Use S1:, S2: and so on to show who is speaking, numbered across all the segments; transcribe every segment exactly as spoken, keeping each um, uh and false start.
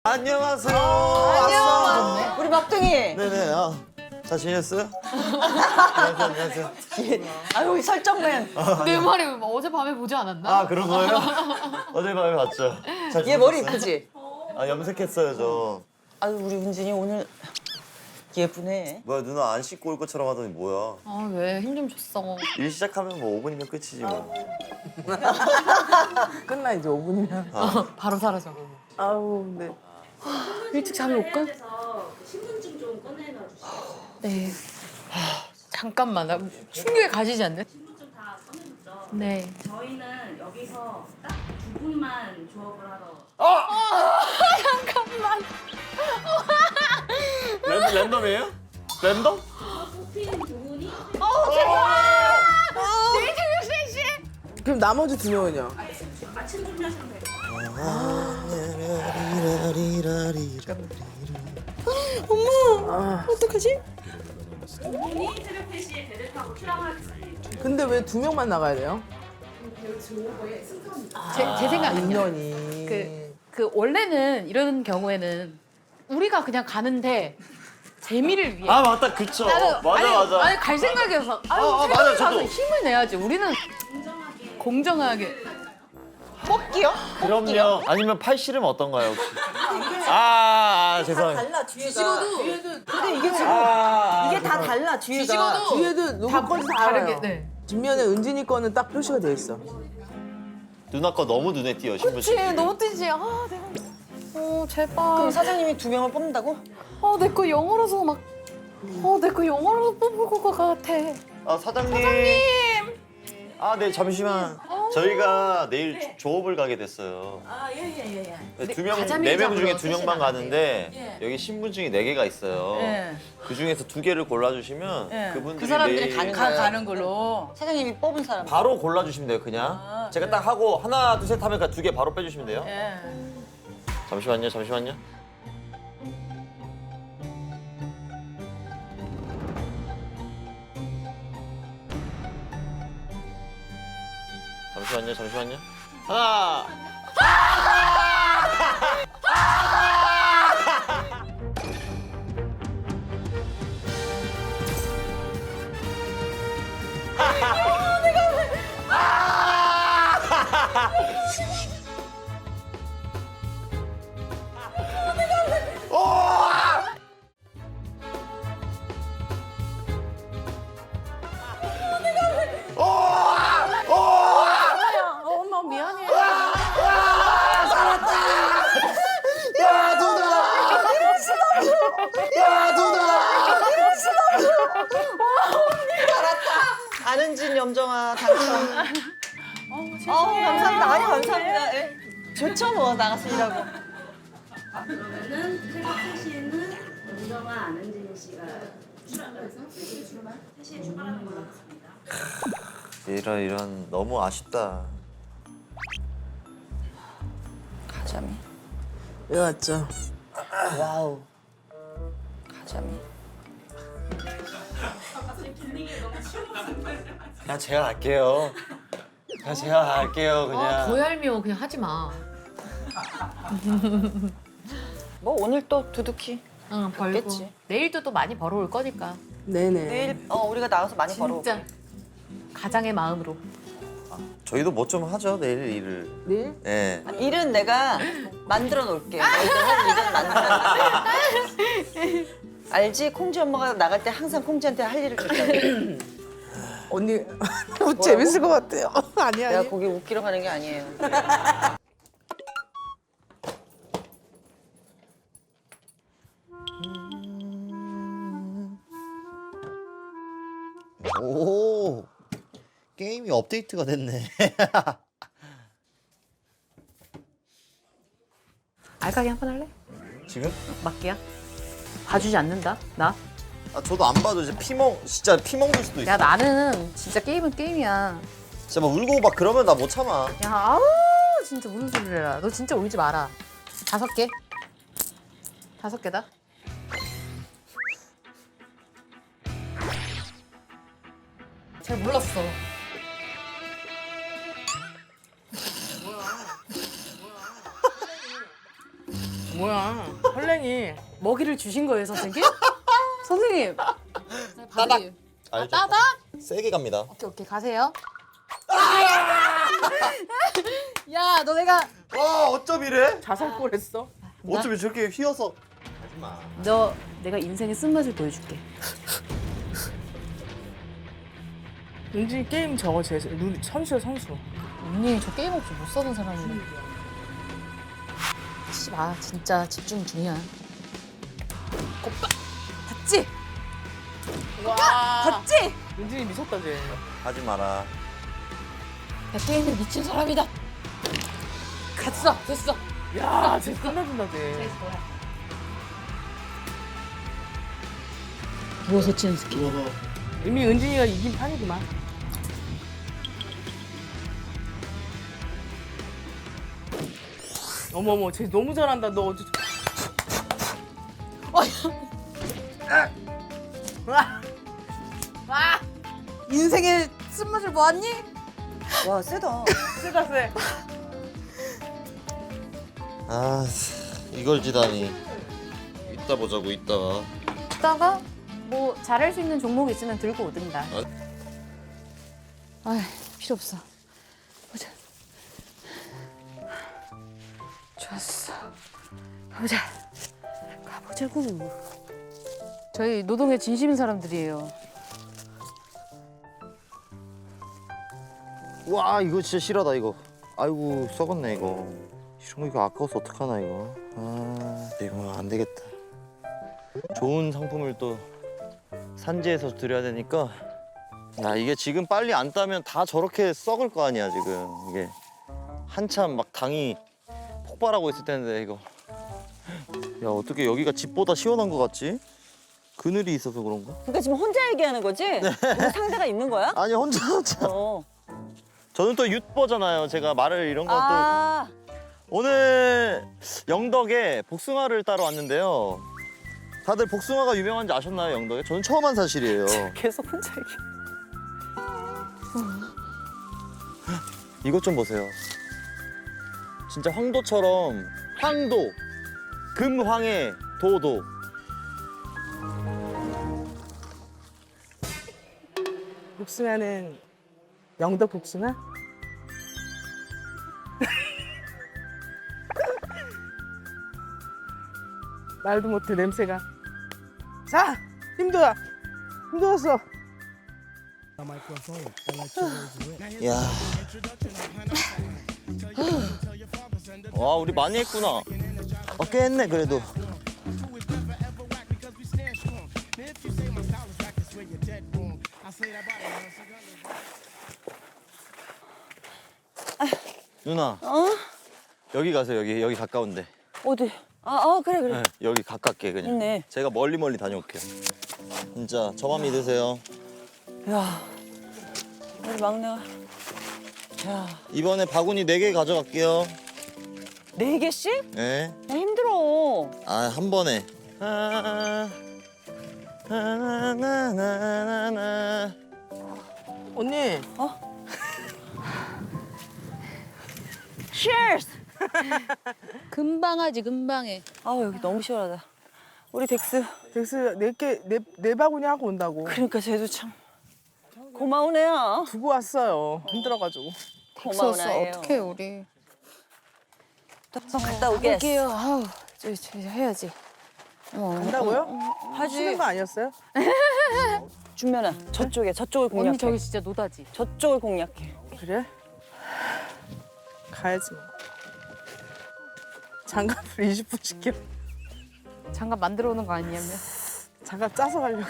S1: 안녕하세요.
S2: 안녕.
S1: 왔어.
S2: 우리 막둥이.
S1: 네네. 아, 잘 지냈어요? 안녕하세요. 안녕하세요.
S2: 아유 이 설정맨.
S3: 내 말이 어젯밤에 보지 않았나?
S1: 아 그런 거예요? 어젯밤에 봤죠. 잘
S2: 얘 머리
S1: 지냈어요?
S2: 이쁘지?
S1: 아 염색했어요 저.
S2: 아유 우리 은진이 오늘 예쁘네.
S1: 뭐야 누나 안 씻고 올 것처럼 하더니 뭐야?
S3: 아 왜 힘 좀 줬어.
S1: 일 시작하면 뭐 오 분이면 끝이지 뭐.
S4: 끝나 이제 오 분이면.
S3: 바로 사라져.
S4: 아우 네.
S3: 일찍 잠이 올까?
S5: 신분증 좀 꺼내놔 주세요.
S3: 네. 잠깐만 나 충격에 가지지 않네.
S5: 신분증 다 꺼내줬죠?
S3: 네.
S5: 저희는 여기서 딱 두 분만 조업을 하러.
S1: 랜, 랜덤이에요? 랜덤?
S5: 뽑힌 두 분이
S4: 그럼 나머지 두 명은요?
S5: 마침 준비하시면 돼요.
S4: 어떡하지?
S5: 두 분이 새벽 세 시에 배를 타고 출항하겠습니다.
S4: 근데 왜 두 명만 나가야 돼요?
S3: 제, 제 생각은요.
S4: 인연이.
S3: 그, 그 원래는 이런 경우에는 우리가 그냥 가는데 재미를 위해.
S1: 아 맞다 그쵸.
S3: 나는-
S1: 맞아
S3: 아니,
S1: 맞아.
S3: 아니 갈 생각이어서. 아유
S1: 아, 아,
S3: 새벽에
S1: 맞아요,
S3: 가서
S1: 저도.
S3: 힘을 내야지. 우리는 공정하게.
S2: 뽑기요?
S1: 그럼요. 아니면 팔씨름 어떤가요 혹시? 아, 아 죄송해요.
S2: 달라 뒤에가. 근데 이게 지금
S1: 아,
S2: 이게 다 달라 뒤에가.
S3: 뒤집어도
S4: 뒤에도 누구 건지 다
S3: 다르게.
S4: 알아요.
S3: 네.
S4: 뒷면에 은진이 거는 딱 표시가 돼 있어.
S1: 누나 거 너무 눈에 띄어 신분증.
S3: 그치 너무 뜨지. 아 내가. 어 제발.
S2: 그럼 사장님이 두 명을 뽑는다고?
S3: 어내 거 영어라서 막. 어내 거 영어로 뽑을 것 같아.
S1: 아 사장님. 사장님. 아 네 잠시만. 저희가 내일 조- 조업을 가게 됐어요.
S2: 아 예예예 예.
S1: 두 명,
S3: 가자미
S1: 네 명
S3: 잡으러
S1: 중에 두 명만
S3: 셋이
S1: 가는데 여기 신분증이 네 개가 있어요.
S2: 예.
S1: 그 중에서 두 개를 골라주시면
S2: 예.
S1: 그분들이
S2: 그 사람들이
S1: 내일
S2: 가는 거예요. 가는 걸로. 사장님이 뽑은 사람.
S1: 바로 골라주시면 돼요 그냥. 제가 딱 하고 하나 둘 셋 하면 두 개 바로 빼주시면 돼요.
S2: 예.
S1: 잠시만요 잠시만요. 잠시만요 잠시만요. 하나.
S3: 엄마 미안해.
S1: 야 누나! 야 누나!
S2: 안은진 염정아 당첨. 어 감사합니다. 아니 감사합니다. 예. 좋죠 뭐 나가서 일하고.
S5: 그러면은 새벽 세 시에는 은정아 안은진 씨가 출항해서 세 시에 출발하는 걸로 하겠습니다.
S1: 이런 이런 너무 아쉽다.
S2: 가자미.
S4: 왜 왔죠?
S2: 와우. 가자미.
S1: 그냥 제가 할게요. 그냥 제가 할게요 그냥.
S3: 아, 더 얄미워. 그냥 하지 마.
S2: 뭐 오늘 또 두둑히.
S3: 응, 벌고.
S2: 없겠지.
S3: 내일도 또 많이 벌어올 거니까.
S4: 네네.
S2: 내일 어 우리가 나가서 많이 벌어.
S3: 진짜 가장의 마음으로.
S1: 저희도 뭐 좀 하죠 내일 일을.
S4: 내일?
S1: 예.
S2: 일은 내가 만들어 놓을게. 너희들 할 일은 만들어. 알지? 콩지 엄마가 나갈 때 항상 콩지한테 할 일을 줬다고.
S4: 언니 너무 재밌을 것 같아요. 아니
S2: 내가
S4: 아니.
S2: 거기 웃기러 가는 게 아니에요.
S1: 오 게임이 업데이트가 됐네.
S3: 알까기 한 번 할래?
S1: 지금?
S3: 맞기야? 봐주지 않는다 나?
S1: 아 저도 안 봐도 이제 피멍 진짜 피멍들 수도 있어.
S3: 야 나는 진짜 게임은 게임이야.
S1: 진짜 막 울고 막 그러면 나 못 참아.
S3: 야 아우 진짜 무슨 소리를 해라. 너 진짜 울지 마라. 다섯 개? 다섯 개다? 잘 몰랐어.
S4: 뭐야? 헐랭이.
S3: 먹이를 주신 거예요, 선생님? 선생님. 따닥.
S1: 알죠?
S3: 따닥?
S1: 세게 갑니다.
S3: 오케이, 오케이. 가세요. 야, 너 내가
S1: 와 어쩜 이래?
S4: 자살골 했어.
S1: 어쩜 저렇게 휘어서.
S3: 너 내가 인생의 쓴맛을 보여줄게.
S4: 은진이 게임 저거 제 눈 선수야 선수.
S3: 언니 저 게임 없이 못 사는 사람인데. 치지 마. 진짜 집중 중이야. 오빠 봤지?
S4: 와.
S3: 봤지?
S4: 은진이 미쳤다 쟤.
S1: 하지 마라.
S3: 나 게임에 미친 사람이다. 갔어. 됐어.
S4: 야, 쟤 끝내준다 쟤.
S3: 누워서 치는 스킬.
S4: 이미 은진이가 이긴 판이구만. 어머머, 쟤 너무 잘한다. 너 어제.
S3: 인생의 쓴맛을 보았니?
S2: 와 세다.
S4: 세다 세.
S1: 아 이걸 지다니. 이따 보자고 이따가.
S3: 이따가 뭐 잘할 수 있는 종목 있으면 들고 오든가. 아, 필요 없어. 보자. 좋았어. 가보자. 가보자고. 저희 노동에 진심인 사람들이에요.
S1: 와 이거 진짜 실하다 이거. 아이고 썩었네 이거. 이런 거 이거 아까워서 어떡하나 이거. 아 이거 안 되겠다. 좋은 상품을 또 산지에서 드려야 되니까. 야 이게 지금 빨리 안 따면 다 저렇게 썩을 거 아니야 지금. 이게 한참 막 당이 폭발하고 있을 텐데 이거. 야 어떻게 여기가 집보다 시원한 거 같지? 그늘이 있어서 그런가?
S2: 그러니까 지금 혼자 얘기하는 거지? 누구 상대가 있는 거야?
S1: 아니 혼자 혼자.
S2: 어.
S1: 저는 또 윷버잖아요. 제가 말을 이런 것도.
S2: 아.
S1: 오늘 영덕에 복숭아를 따러 왔는데요. 다들 복숭아가 유명한지 아셨나요, 영덕에? 저는 처음 한 사실이에요.
S2: 계속 혼자 얘기.
S1: 이것 좀 보세요. 진짜 황도처럼 황도, 금황의 도도.
S4: 복숭아는 영덕 복숭아? 말도 못해 냄새가. 자, 힘들어. 힘들었어.
S1: 야. 와, 우리 많이 했구나. 어, 꽤 했네, 그래도. 누나.
S2: 어?
S1: 여기 가세요, 여기. 여기 가까운데.
S2: 어디? 아, 아 그래 그래.
S1: 네, 여기 가깝게 그냥.
S2: 있네.
S1: 제가 멀리 멀리 다녀올게요. 진짜 저만 믿으세요.
S2: 야, 우리 막내가. 야,
S1: 이번에 바구니 네 개 가져갈게요.
S2: 네 개씩?
S1: 네.
S2: 야, 힘들어.
S1: 아, 한 번에. 아, 나나나나나나.
S4: 언니.
S2: Cheers.
S3: 금방 하지, 금방 해.
S2: 아 여기 너무 시원하다. 우리 덱스.
S4: 덱스 네개네 네 바구니 하고 온다고.
S2: 그러니까 쟤도 참 고마운 애야.
S4: 두고 왔어요. 힘들어가지고.
S2: 고마운 애예요.
S3: 어떡해, 우리.
S2: 한번 갔다 오게.
S3: 올게요. 아우, 저, 저 해야지. 어,
S4: 간다고요?
S2: 하지.
S4: 쉬는 거 아니었어요?
S2: 준면아 저쪽에 저쪽을 공략해.
S3: 언니 저기 진짜 노다지.
S2: 저쪽을 공략해.
S4: 그래? 가야지 뭐. 장갑을 이십 분 시켜.
S3: 장갑 만들어 오는 거 아니냐면.
S4: 장갑 짜서 가려고.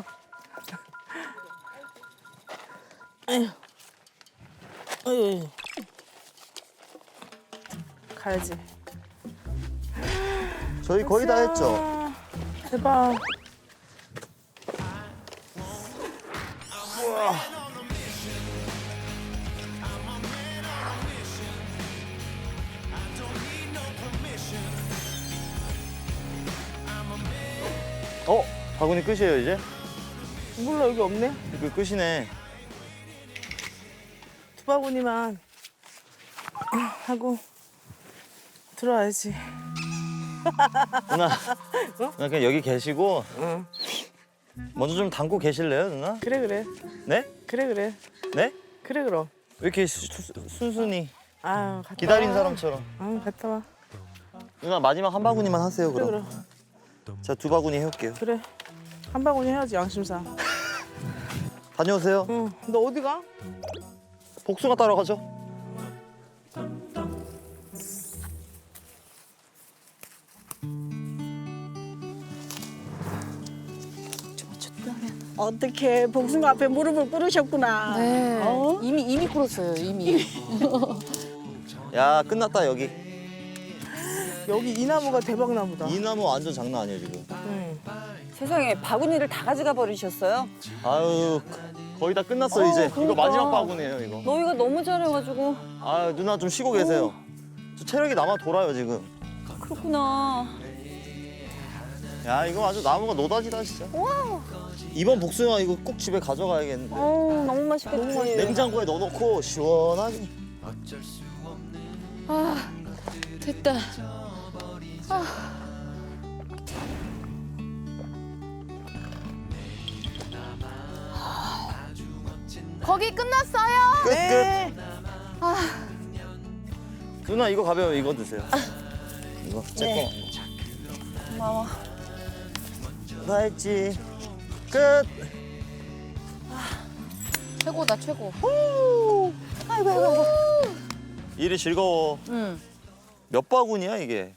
S4: 에휴. 에휴. 가야지.
S1: 저희 거의 다 했죠?
S4: 대박.
S1: 어? 바구니 끝이에요, 이제?
S4: 몰라 여기 없네.
S1: 그 끝이네.
S4: 두 바구니만 하고 들어와야지.
S1: 누나, 누나 그냥 여기 계시고
S4: 응.
S1: 먼저 좀 담고 계실래요, 누나?
S4: 그래 그래.
S1: 네?
S4: 그래 그래.
S1: 네?
S4: 그래 그럼.
S1: 왜 이렇게 수- 수- 순순히
S4: 아유 갔다
S1: 기다린
S4: 와.
S1: 사람처럼.
S4: 응 갔다 와.
S1: 누나 마지막 한 바구니만 하세요,
S4: 그래
S1: 그럼.
S4: 그래.
S1: 제가 두 바구니 해올게요.
S4: 그래. 한 바구니 해야지 양심상.
S1: 다녀오세요.
S4: 응. 너 어디 가?
S1: 복숭아 따러 가죠.
S2: 어떻게 복숭아 앞에 무릎을 꿇으셨구나.
S3: 네.
S2: 어?
S3: 이미 이미 꿇었어요. 이미.
S1: 야, 끝났다, 여기.
S4: 여기 이 나무가 대박 나무다.
S1: 이 나무 완전 장난 아니에요, 지금.
S4: 응.
S2: 세상에 바구니를 다 가져가 버리셨어요?
S1: 아유, 거의 다 끝났어, 이제. 이거
S2: 그러니까.
S1: 마지막 바구니예요, 이거.
S2: 너희가 너무 잘해가지고.
S1: 아유, 누나 좀 쉬고 계세요. 저 체력이 남아 돌아요, 지금.
S2: 그렇구나.
S1: 야, 이거 아주 나무가 노다지다, 진짜. 이번 복숭아 이거 꼭 집에 가져가야겠는데.
S2: 어우, 너무 맛있겠지.
S1: 냉장고에 넣어놓고 시원하게.
S3: 아 됐다. 거기 끝났어요.
S1: 끝,
S4: 네.
S1: 끝. 누나 이거 가벼워, 이거 드세요. 이거 제 거.
S2: 고마워.
S1: 다 했지. 끝.
S3: 최고다 최고.
S2: 아이고, 아이고, 아이고.
S1: 일이 즐거워.
S3: 응.
S1: 몇 바구니야 이게?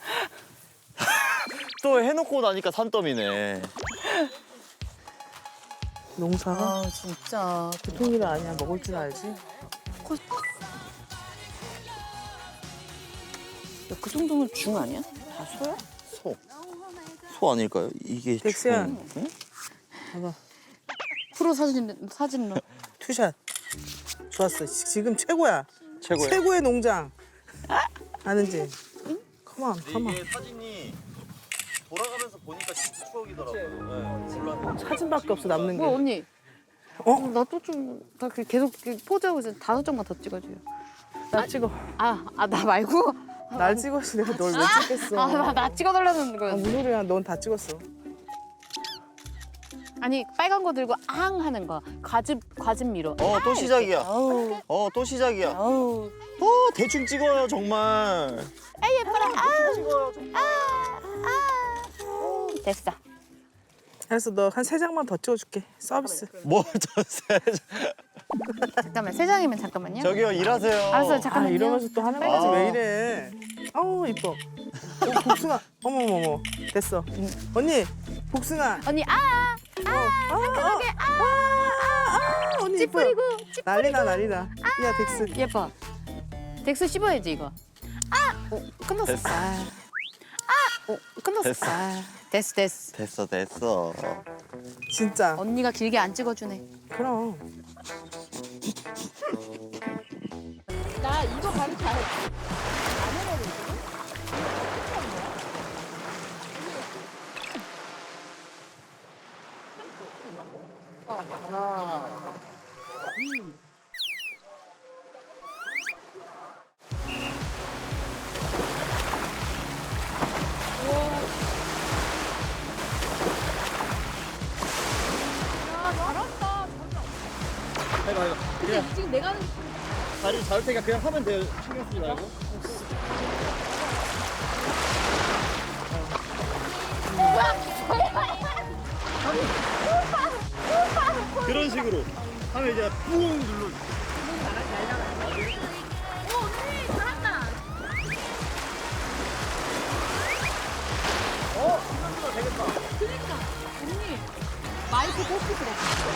S1: 또 해놓고 나니까 산더미네.
S4: 농사가
S3: 아 진짜.
S4: 보통 일 아니야. 먹을 줄 알지.
S2: 야, 그 정도면 중 아니야? 다 소야?
S1: 소. 소 아닐까요? 이게
S4: 덱스야.
S1: 중- 응?
S4: 봐봐.
S3: 프로 사진 사진로.
S4: 투샷. 좋았어. 지- 지금 최고야.
S1: 최고예요.
S4: 최고의 농장. 아는지? 컴온, 컴온.
S1: 이게 사진이 돌아가면서 보니까 진짜 추억이더라고요. 네, 몰라.
S4: 사진밖에 없어 남는
S3: 뭐
S4: 게.
S3: 언니.
S4: 어?
S3: 나 또 좀 나 계속 이렇게 포즈하고 있어. 다섯 장만 더 찍어줘요.
S4: 나 찍어.
S3: 아 아 나 말고.
S4: 날 찍었어. 내가 널 왜 찍겠어.
S3: 아 나 나 찍어달라는
S4: 아,
S3: 거였어.
S4: 무슨 소리야. 넌 다 찍었어.
S3: 아니 빨간 거 들고 앙 하는 거. 과즙 과즙 미로.
S1: 어, 또 시작이야.
S2: 아우,
S1: 어, 또 시작이야.
S2: 아우.
S1: 어, 대충 찍어요, 정말.
S3: 아 예뻐라. 아, 아. 됐어.
S4: 알았어. 너 한 세 장만 더 찍어줄게. 서비스.
S1: 뭐, 저, 세-
S3: 잠깐만 세 장이면 잠깐만요.
S1: 저기요, 일하세요.
S3: 알았어요.
S4: 아
S3: 잠깐만요.
S4: 이러면서 또 하는 거지
S1: 아.
S4: 왜 이래? 아우 이뻐. 어, 복숭아. 어머머머. 됐어. 언니 복숭아.
S3: 언니 아
S4: 상큼하게 아, 아, 아, 언니 이뻐.
S3: 찌푸리고
S4: 난리나 난리나. 야 덱스.
S3: 예뻐. 덱스 씹어야지 이거. 아, 어, 끝났어.
S1: 됐어.
S3: 아, 아, 어, 끝났어.
S1: 됐어.
S3: 아, 됐어, 됐어.
S1: 됐어, 됐어.
S4: 진짜.
S3: 언니가 길게 안 찍어주네.
S4: 그럼.
S3: 나 이거 바로 잘.
S1: 해봐, 해봐. 그냥
S3: 지금 내가 하는
S1: 다리 잡을 테니까 그냥 하면 돼요. 신경 쓰지 말고. 그런 식으로 하면 이제 뿡 눌러.
S3: 마이크 뽑기 그래.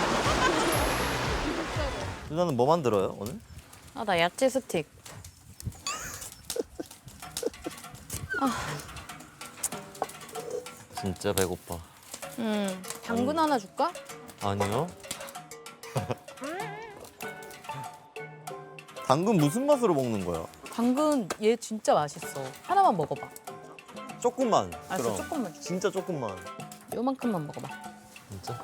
S1: 누나는 뭐 만들어요 오늘?
S3: 아, 나 야채 스틱.
S1: 진짜 배고파.
S3: 음, 당근 하나 줄까?
S1: 아니요. 당근 무슨 맛으로 먹는 거야?
S3: 당근 얘 진짜 맛있어. 하나만 먹어봐.
S1: 조금만.
S3: 알았어,
S1: 그럼.
S3: 조금만 줘.
S1: 진짜 조금만.
S3: 요만큼만 먹어봐.
S1: 진짜?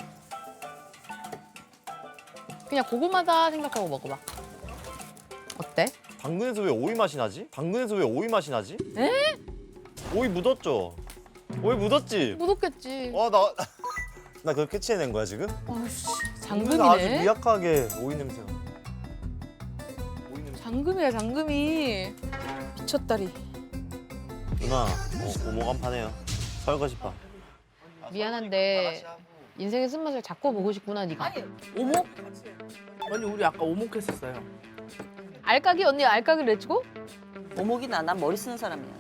S3: 그냥 고구마다 생각하고 먹어봐. 어때?
S1: 당근에서 왜 오이 맛이 나지? 당근에서 왜 오이 맛이 나지? 오이 묻었죠? 오이 묻었지?
S3: 묻었겠지.
S1: 와, 나, 나 그거 캐치해낸 거야, 지금?
S3: 아씨,
S1: 아주
S3: 장금이네.
S1: 미약하게 오이 냄새가. 오이 냄새.
S3: 장금이야, 장금이. 미쳤다리.
S1: 누나, 어, 오목 한 판해요. 설거지파.
S3: 미안한데 인생의 쓴맛을 자꾸 보고 싶구나, 네가. 오목?
S4: 언니 우리 아까 오목했었어요.
S3: 알까기 언니 알까기를 내주고?
S2: 오목이나 난 머리 쓰는 사람이야.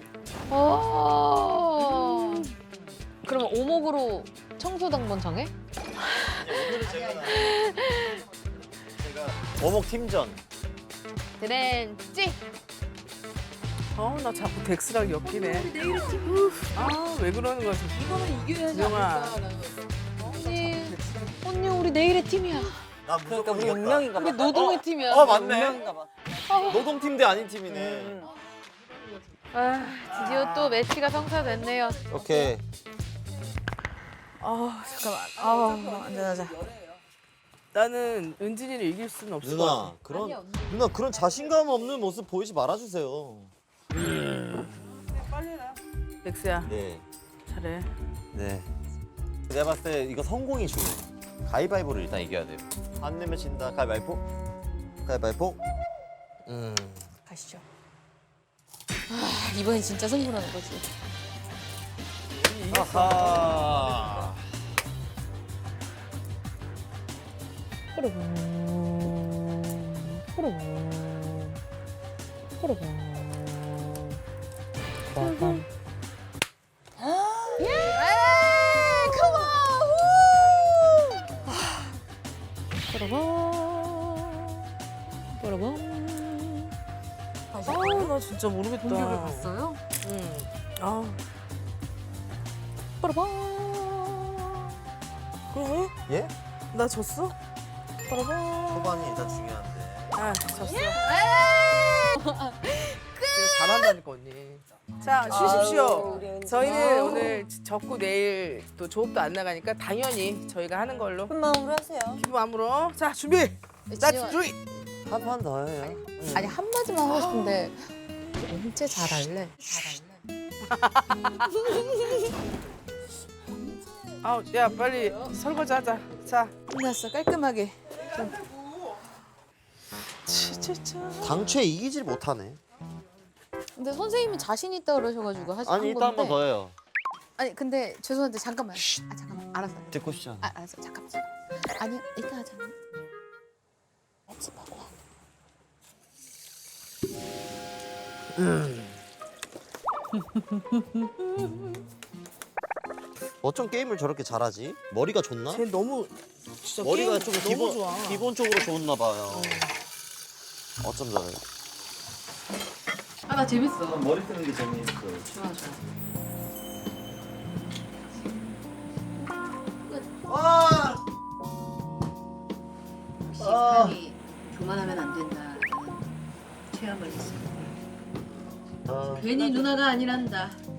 S3: 어. 그러면 오목으로 청소 당번 정해?
S1: 오목 팀전.
S3: 드렌치.
S4: 어 나 자꾸 덱스랑 엮이네. 아왜 그러는 거야?
S3: 이거는 이겨야지
S4: 영아.
S3: 않을까? 언니, 언니 우리 내일의 팀이야.
S1: 나
S2: 그러니까 우리 운명인가 봐.
S3: 우리 노동의 팀이야.
S1: 어, 맞네.
S2: 운명인가 봐.
S1: 노동팀 대 아닌 팀이네.
S2: 음.
S3: 아, 드디어 또 매치가 성사됐네요.
S1: 오케이.
S4: 아 잠깐만. 아 앉아 앉아. 나는 은진이를 이길 수는 없을 것
S1: 누나,
S4: 같아.
S1: 그런, 누나, 그런 자신감 없는 모습 보이지 말아주세요.
S4: 덱스야
S1: 네.
S4: 잘해.
S1: 네. 내가 봤을 때 이거 성공이 중요해. 가위바위보를 일단 이겨야 돼요. 안 내면 진다. 가위바위보. 가위바위보. 음.
S3: 가시죠. 아, 이번엔 진짜 승부라는 거지.
S1: 아하.
S3: 호르봉, 호르봉, 호르봉. 호르봉. 예! 컴온! 호르봉, 호르봉.
S4: 아나 진짜 모르겠다.
S3: 공격을 봤어요?
S4: 응. 아
S3: 호르봉.
S4: 그래?
S1: 예?
S4: 나 졌어?
S1: 초반이 일단 중요한데.
S4: 아 졌어. 내가 잘한다니까 언니. 자 쉬십시오.
S2: 아유, 우리 은진아.
S4: 저희는 오늘 졌고 내일 또 조업도 안 나가니까 당연히 저희가 하는 걸로.
S2: 큰 마음으로 하세요.
S4: 기분 마음으로. 자 준비. 나 준비.
S1: 한 판 더 해요.
S3: 아니 한마디만 하고 싶은데 언제 잘할래?
S4: 아, 야 빨리 설거지 하자. 자.
S3: 끝났어 깔끔하게.
S4: 치치치.
S1: 당최 이기질 못하네.
S3: 근데 선생님이 자신 있다 그러셔가지고 하시
S1: 아니, 이따 한 번 더 해요.
S3: 아니 근데 죄송한데 잠깐만. 아 잠깐만 알았어.
S1: 듣고 싶지 않아.
S3: 아 알았어 잠깐만. 잠깐만. 아니 이따 하자. 연습하고 와.
S1: 어쩜 게임을 저렇게 잘하지? 머리가 좋나?
S4: 쟤 너무 진짜
S1: 머리가
S4: 게임
S1: 좀
S4: 너무
S1: 기본,
S4: 좋아.
S1: 기본적으로 좋았나 봐요. 어쩜 저래?
S3: 아 나 재밌어.
S1: 머리 쓰는 게 재밌어.
S3: 좋아 좋아.
S1: 아!
S6: 역시 사람이 교만하면 안 된다는 체험을 했습니다.
S1: 아.
S6: 괜히 누나가 아니란다.